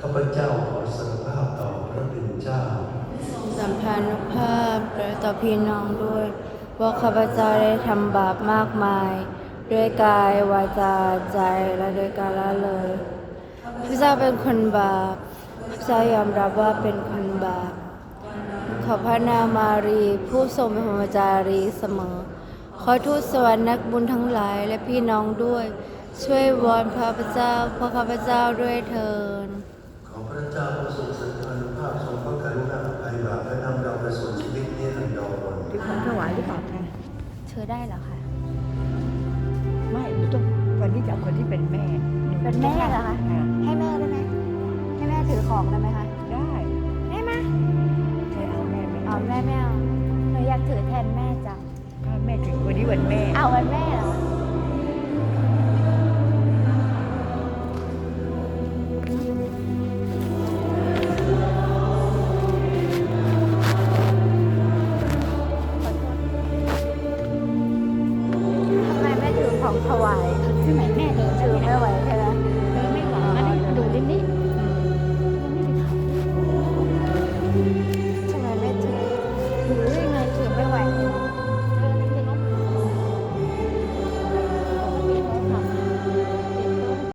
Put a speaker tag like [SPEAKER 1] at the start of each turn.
[SPEAKER 1] ข้าพเจ้าขอสารภาพต่อพระเป็นเจ้า
[SPEAKER 2] สัมพันธภาพต่อพี่น้องด้วยว่าข้าพเจ้าได้ทำบาปมากมายด้วยกายวาจาใจและด้วยการละเลยพระเจ้าเป็นคนบาปพระเจ้ายอมรับว่าเป็นคนบาปขอพระนางมารีผู้ทรงเป็นพรหมจารีเสมอขอทูตสวรรค์นักบุญทั้งหลายและพี่น้องด้วยช่วยวอนพระเจ้าเพราะข้าพเจ้าด้วยเถิด
[SPEAKER 1] ขอพระเจ้าผู้ทรงสันติภาพทรงพระกรุณาอภัยบาปและนำเราไปสู่ชีวิตนิรันดร
[SPEAKER 3] เป็นของถวายหรือเปล่าคะ
[SPEAKER 2] เธอได้เหรอคะ
[SPEAKER 3] ไม่หนูต้องวันนี้จะเอาคนที่เป็นแม่
[SPEAKER 2] เป็นแม่เหรอคะให้แม่ได้ไหมให้แม่ถือของได้ไหมคะ
[SPEAKER 3] ได้
[SPEAKER 2] ได้ไหม
[SPEAKER 3] ใช่เอาแม่ไม่
[SPEAKER 2] เอาแม่ไม่เอาหนูอยากถือแทนแม่จัง
[SPEAKER 3] ถ้าแม่ถึงวันนี้วันแม่
[SPEAKER 2] เอาวันแม่เหรอ